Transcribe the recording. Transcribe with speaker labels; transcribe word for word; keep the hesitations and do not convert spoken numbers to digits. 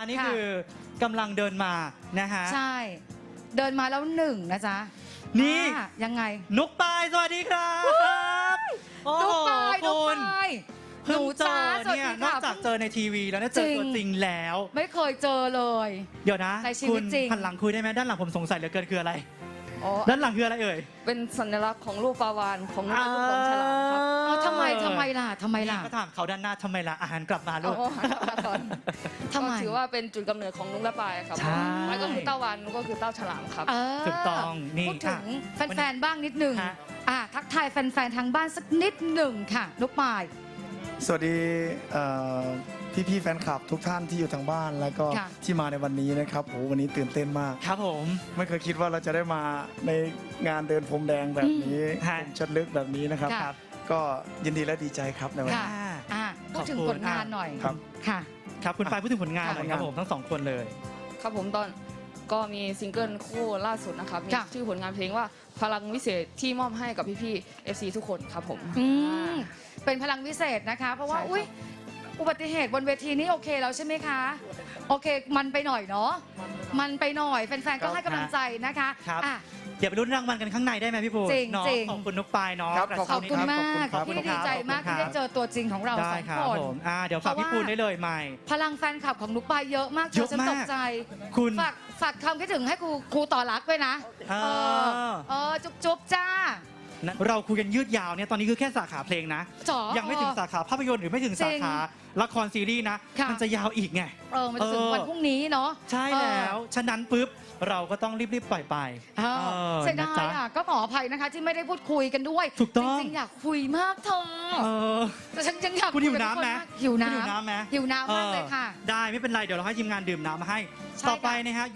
Speaker 1: อันนี้คือกำลังเดินมานะฮะ
Speaker 2: ใช่เดินมาแล้วหนึ่งนะจ๊ะ
Speaker 1: นี่
Speaker 2: ยังไง
Speaker 1: นุกปายสวัสดีครับ
Speaker 2: นุกปายนุกปาย
Speaker 1: เพิ่งเจอเนี่ยนอกจากเจอในทีวีแล้วเนี่ยเจอตัวจริงแล้ว
Speaker 2: ไม่เคยเจอเลย
Speaker 1: เดี๋ยวนะ
Speaker 2: คุณ
Speaker 1: หันหลังคุยได้ไหมด้านหลังผมสงสัยเหลือเกินคืออะไรด้านหลังคืออะไรเอ่ย
Speaker 3: เป็นสัญลักษณ์ของรูปปลาวาฬของลูกของฉลามครับ
Speaker 2: ทำไมทำไมล่ะทำไมล่ะ
Speaker 1: ก็ถามเขาด้านหน้าทำไมล่ะอาหารกลับมาลูก
Speaker 3: ทำไมถือว่าเป็นจุดกำเนิดของนุกและปายครับแล้วก็คือเต้าวานนุกก็คือเต้าฉลามครับ
Speaker 1: ถูกต้องนี่
Speaker 2: พูดถึงแฟนๆบ้างนิดหนึ่งทักทายแฟนๆทางบ้านสักนิดหนึ่งค่ะนุกปาย
Speaker 4: สวัสดีพี่ๆแฟนคลับทุกท่านที่อยู่ทางบ้านแล้วก็ที่มาในวันนี้นะครับโอ้วันนี้ตื่นเต้นมาก
Speaker 1: ครับผม
Speaker 4: ไม่เคยคิดว่าเราจะได้มาในงานเดินพรมแดงแบบนี้ผมชัดลึกแบบนี้นะครับก็ยินดีและดีใจครับในวันนี้
Speaker 2: พูดถึงผลงานหน่อย
Speaker 4: ครับ
Speaker 2: ค่ะ
Speaker 1: ครับคุณปายพูดถึงผลงานหน่อยครับผมทั้งสองคนเลย
Speaker 3: ครับผมตอนก็มีซิงเกิลคู่ล่าสุดนะครับมีชื่อผลงานเพลงว่าพลังวิเศษที่มอบให้กับพี่ๆ เอฟ ซี ทุกคนครับผม
Speaker 2: เป็นพลังวิเศษนะคะเพราะว่าอุ้ยอุบัติเหตุบนเวทีนี้โอเคแล้วใช่ไหมคะโอเคมันไปหน่อยเนาะมันไปหน่อยแฟนๆก็ให้กำลังใจนะคะ
Speaker 1: ครับเดี๋ยวไปลุ้นรางวัลกันข้างในได้ไหมพี่ปู
Speaker 2: จริงจริง
Speaker 1: ขอบคุณนุกปายเนาะ
Speaker 2: ขอบคุณมากพี่ดีใจมากที่ได้เจอตัวจริงของเราสองคน
Speaker 1: เดี๋ยวฝากพี่ปูได้เลยใหม่
Speaker 2: พลังแฟนคลับของนุกปายเยอะมากเยอะฉันตกใจ
Speaker 1: คุณ
Speaker 2: ฝากฝากคำคิดถึงให้ครูครูต่อรักด้วยนะเออจุ๊บจุ๊บจ้า
Speaker 1: เราคุยกันยืดยาวเนี่ยตอนนี้คือแค่สาขาเพลงนะยังไม่ถึงสาขาภาพยนตร์หรือไม่ถึงสาขาละครซีรีส์นะมันจะยาวอีกไง
Speaker 2: เออมันถึงวันพรุ่งนี้เนาะ
Speaker 1: ใช่แล้วฉะนั้นปุ๊บเราก็ต้องรีบๆปล่อยไป
Speaker 2: เสียดายอ่ะก็ขออภัยนะคะที่ไม่ได้พูดคุยกันด้วย
Speaker 1: ถูกต้อง
Speaker 2: จริงๆอยากคุยมากเธอแต่ฉันยังอยาก
Speaker 1: คุณหิวน้ำไหม
Speaker 2: หิวน้
Speaker 1: ำไหม
Speaker 2: หิวน้ำมากเลยค่ะ
Speaker 1: ได้ไม่เป็นไรเดี๋ยวเราให้ทีมงานดื่มน้ำมาให้ต่อไปนะฮะ